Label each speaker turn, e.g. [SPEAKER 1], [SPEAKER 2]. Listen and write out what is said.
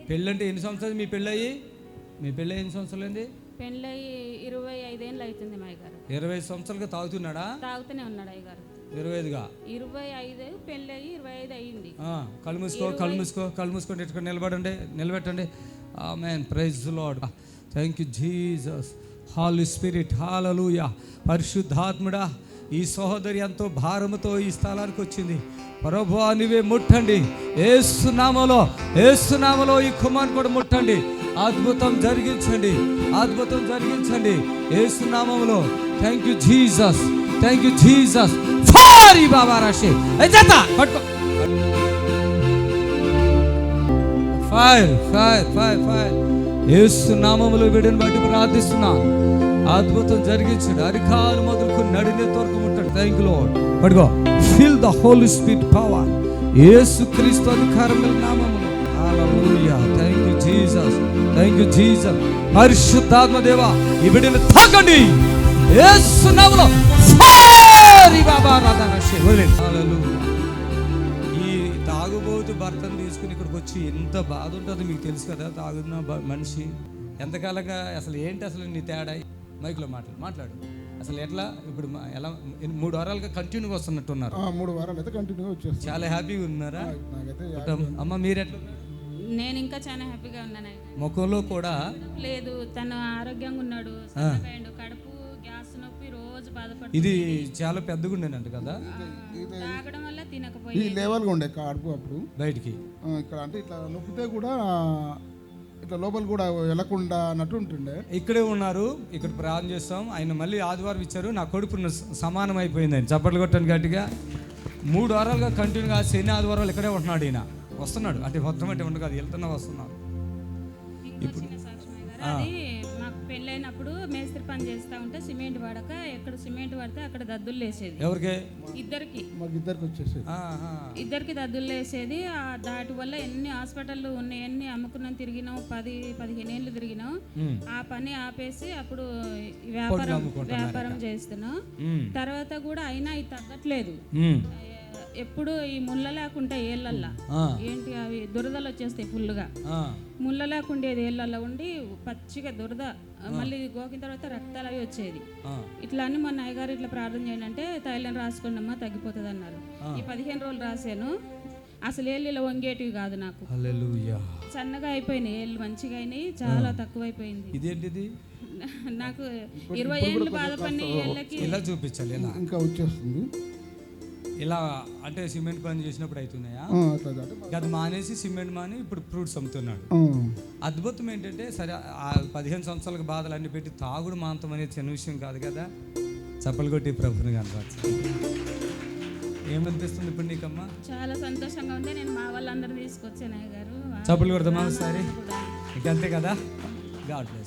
[SPEAKER 1] పెళ్ళంటే ఎన్ని సంవత్సరాలు మీ పెళ్ళయి? మీ పెళ్ళి ఎన్ని సంవత్సరాలు అయింది?
[SPEAKER 2] పెళ్ళయి 25 ఏళ్ళు అవుతుంది మా అయ్యగారు.
[SPEAKER 1] 25 సంవత్సరాలుగా తాగుతున్నాడా?
[SPEAKER 2] తాగుతూనే ఉన్నాడు అయ్యగారు.
[SPEAKER 1] 25గా
[SPEAKER 2] 25 పెళ్ళయి 25 అయ్యింది.
[SPEAKER 1] కళ్ళు మూసుకో, కళ్ళు మూసుకో, కళ్ళు మూసుకొని ఇక్కడ నిలబెట్టండి. Amen, praise the Lord. Thank you Jesus, Holy Spirit, hallelujah. పరిశుద్ధాత్ముడా, ఈ సహోదరి ఎంతో భారముతో ఈ స్థలానికి వచ్చింది. ప్రభువా నీవే ముట్టండి యేసు నామములో ఈ కుమారుని కూడా ముట్టండి. అద్భుతం జరిగించండి యేసు నామములో. Thank you Jesus. ఫారి బాబా రాశి జత పట్టుకో. ఫైర్ యేసు నామములో వీడిని బట్టి ప్రార్థిస్తున్నాను. అద్భుతం జరిగించండి. అరికాలు మొదలుకొని నడినెత్తి వరకు ముట్టండి. Thank you Lord. పట్టుకో. Feel the Holy Spirit power. Yesu Kristu అధికారముల నామములో. హల్లెలూయా. Thank you Jesus. పరిశుద్ధాత్మ దేవా, ఈ బిడ్డను తాకండి యేసు నామములో. ఫైర్ బాబా రాధారషే వదిలేండి. హల్లెలూయా. ఈ తాగుబోతు భర్తను తీసుకుని ఇక్కడికి వచ్చి ఎంత బాధ ఉంటుందో మీకు తెలుసు కదా. తాగుతున్న మనిషి ఎంతకాలంగా అసలు ఏంటి అసలు నీ తేడా? మైక్లో మాట్లాడు. అసలు ఎట్లా ఇప్పుడు ఎలా 3 వారాలుగా కంటిన్యూగా వస్తున్నట్టున్నారు?
[SPEAKER 3] 3 వారాలు అయితే కంటిన్యూగా వచ్చేస్తాను.
[SPEAKER 1] చాలా హ్యాపీగా ఉన్నారా? అమ్మ మీరెట్లా?
[SPEAKER 2] నేను ఇంకా చాలా హ్యాపీగా ఉన్నాను.
[SPEAKER 1] ముఖంలో కూడా
[SPEAKER 2] లేదు, తను ఆరోగ్యంగా ఉన్నాడు. కడుపు గ్యాస్ నొప్పి రోజు బాధపడుతుంది.
[SPEAKER 1] ఇది చాలా పెద్దగా ఉండేనంట కదా.
[SPEAKER 2] తాగడం వల్ల
[SPEAKER 3] ఈ
[SPEAKER 2] తినకపోయి
[SPEAKER 3] లెవెల్గా ఉండే కడుపు అప్పుడు
[SPEAKER 1] బయటికి
[SPEAKER 3] ఇక్కడ అంటే ఇట్లా నొప్పితే కూడా ఇట్లా లోపల కూడా వెళ్ళకుండా అన్నట్టు ఉంటుండే.
[SPEAKER 1] ఇక్కడే ఉన్నారు, ఇక్కడ ప్రార్థన చేస్తాం. ఆయన మళ్ళీ ఆదివారం ఇచ్చారు. నా కొడుకు సమానం అయిపోయింది. ఆయన చప్పట్లు కొట్టాను గట్టిగా. 3 వారాలుగా కంటిన్యూగా శని ఆదివారాలు ఇక్కడే ఉంటున్నాడు. ఈయన వస్తున్నాడు అంటే మొత్తం అంటే ఉండదు కాదు, వస్తున్నాడు.
[SPEAKER 2] ఇప్పుడు అది మాకు పెళ్ళైనప్పుడు మేస్త్రి పని చేస్తా ఉంటే సిమెంట్ పడక ఎక్కడ సిమెంట్ పడితే అక్కడ దద్దులు లేసేది.
[SPEAKER 1] ఎవరికి?
[SPEAKER 3] ఇద్దరికి వచ్చేసేది.
[SPEAKER 2] ఇద్దరికి దద్దులు వేసేది. దాటి వల్ల ఎన్ని హాస్పిటల్లు ఉన్నాయి, ఎన్ని అమ్ముకున్నాం, తిరిగినాం, 10-15 ఏళ్ళు తిరిగినాం. ఆ పని ఆపేసి అప్పుడు వ్యాపారం చేస్తున్నాం. తర్వాత కూడా అయినా ఇది తగ్గట్లేదు. ఎప్పుడు ఈ ముళ్ళ లేకుండా ఏళ్ళల్లా ఏంటి అవి దురదలు వచ్చేస్తాయి ఫుల్గా. ముళ్ళ లేకుండేది ఏళ్ళల్లో ఉండి పచ్చిగా దురద, మళ్ళీ గోకిన తర్వాత రక్తాలు అవి వచ్చేది. ఇట్లా అని మా నాయగారు ఇట్లా ప్రార్థన చేయండి అంటే తైలం రాసుకోండి అమ్మా తగ్గిపోతుంది అన్నారు. ఈ 15 రోజులు రాశాను. అసలు ఏళ్ళు ఇలా వంగేటివి కాదు, నాకు సన్నగా అయిపోయినాయి ఏళ్ళు, మంచిగా అయినాయి, చాలా తక్కువైపోయింది.
[SPEAKER 1] ఇదేంటిది?
[SPEAKER 2] నాకు 20 ఏళ్ళు బాధపడిన ఏళ్ళకి
[SPEAKER 1] ఇలా చూపించాలి.
[SPEAKER 3] ఇంకా వచ్చేస్తుంది.
[SPEAKER 1] ఇలా అంటే సిమెంట్ పని చేసినప్పుడు అవుతున్నాయా? అది మానేసి సిమెంట్ మాని ఇప్పుడు ఫ్రూట్స్ అమ్ముతున్నాడు. అద్భుతం ఏంటంటే సరే, ఆ 15 సంవత్సరాలకు బాధలు అన్ని పెట్టి తాగుడు మాంతం అనేది చిన్న విషయం కాదు కదా. చప్పలు కొట్టి ప్రభుని కనపరచు. ఏమనిపిస్తుంది ఇప్పుడు నీకమ్మా?
[SPEAKER 2] చాలా సంతోషంగా ఉంది. నేను మా వాళ్ళందరూ తీసుకొచ్చాను అయ్యగారు.
[SPEAKER 1] చప్పలు కొడతామా ఒకసారి? ఇంకంతే కదా. God bless.